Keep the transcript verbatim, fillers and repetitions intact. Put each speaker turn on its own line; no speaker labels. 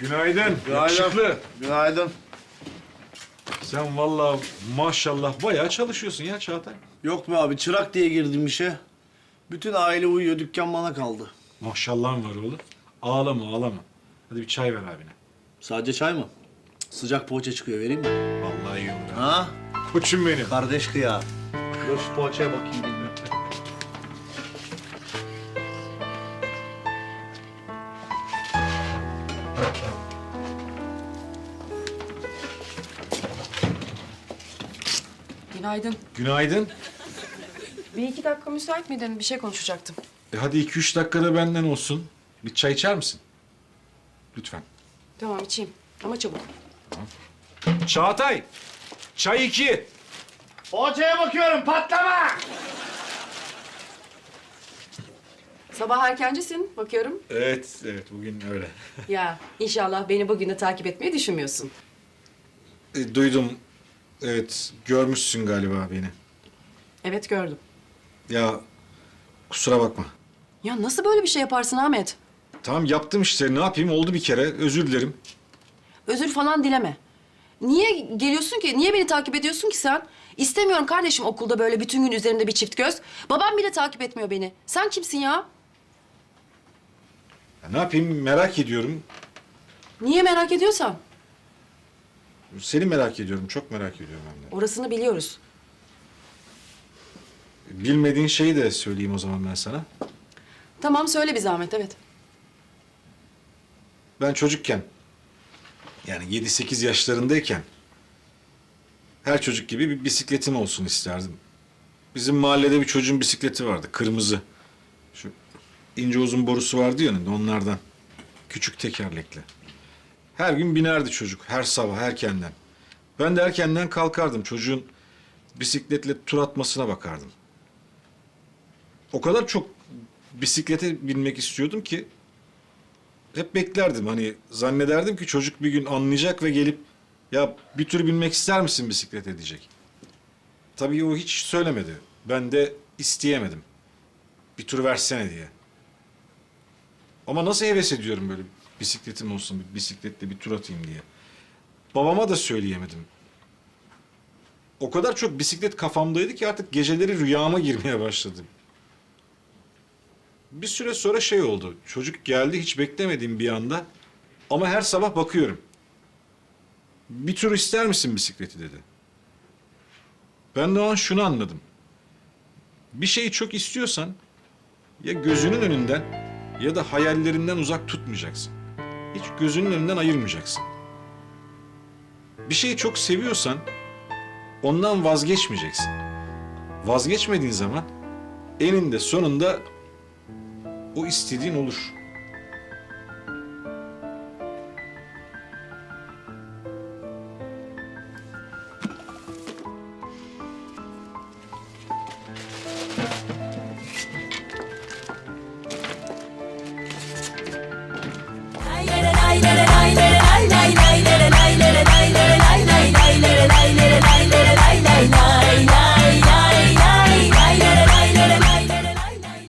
Günaydın.
Günaydın.
Yakışıklı.
Günaydın.
Sen vallahi maşallah bayağı çalışıyorsun ya Çağatay.
Yok mu abi, çırak diye girdim işe. Bütün aile uyuyor, dükkan bana kaldı.
Maşallahın var oğlum. Ağlama ağlama. Hadi bir çay ver abine.
Sadece çay mı? Sıcak poğaça çıkıyor, vereyim mi?
Vallahi iyi olur. ha.
Ha?
Koçum benim.
Kardeş kıya. Dur şu poğaçaya bakayım. dinle.
Günaydın.
Günaydın.
Bir iki dakika müsait miydin? Bir şey konuşacaktım.
E hadi iki üç dakikada benden olsun. Bir çay içer misin? Lütfen.
Tamam içeyim ama çabuk.
Çağatay. Çay iki.
Poğaçaya bakıyorum, patlama!
Sabah erkencisin bakıyorum.
Evet, evet bugün öyle.
Ya inşallah beni bugünü takip etmeyi düşünmüyorsun.
E, duydum. Evet, görmüşsün galiba beni.
Evet gördüm.
Ya kusura bakma.
Ya nasıl böyle bir şey yaparsın Ahmet?
Tamam yaptım işte. Ne yapayım? Oldu bir kere. Özür dilerim.
Özür falan dileme. Niye geliyorsun ki? Niye beni takip ediyorsun ki sen? İstemiyorum kardeşim okulda böyle bütün gün üzerinde bir çift göz. Babam bile takip etmiyor beni. Sen kimsin ya?
Ya ne yapayım? Merak ediyorum.
Niye merak ediyorsan?
Seni merak ediyorum. Çok merak ediyorum hem de.
Orasını biliyoruz.
Bilmediğin şeyi de söyleyeyim o zaman ben sana.
Tamam söyle bir zahmet evet.
Ben çocukken, yani yedi sekiz yaşlarındayken her çocuk gibi bir bisikletim olsun isterdim. Bizim mahallede bir çocuğun bisikleti vardı, kırmızı. Şu ince uzun borusu vardı ya önünde, onlardan. Küçük tekerlekli. Her gün binerdi çocuk, her sabah erkenden. Ben de erkenden kalkardım, çocuğun bisikletle tur atmasına bakardım. O kadar çok bisiklete binmek istiyordum ki hep beklerdim, hani zannederdim ki çocuk bir gün anlayacak ve gelip ya bir tür binmek ister misin bisiklete diyecek. Tabii o hiç söylemedi. Ben de isteyemedim. Bir tur versene diye. Ama nasıl heves ediyorum böyle bisikletim olsun, bir bisikletle bir tur atayım diye. Babama da söyleyemedim. O kadar çok bisiklet kafamdaydı ki artık geceleri rüyama girmeye başladı. Bir süre sonra şey oldu. Çocuk geldi hiç beklemediğim bir anda. Ama her sabah bakıyorum. Bir tur ister misin bisikleti dedi. Ben de o an şunu anladım. Bir şeyi çok istiyorsan ya gözünün önünden ya da hayallerinden uzak tutmayacaksın. Hiç gözünün önünden ayırmayacaksın. Bir şeyi çok seviyorsan ondan vazgeçmeyeceksin. Vazgeçmediğin zaman eninde sonunda o istediğin olur.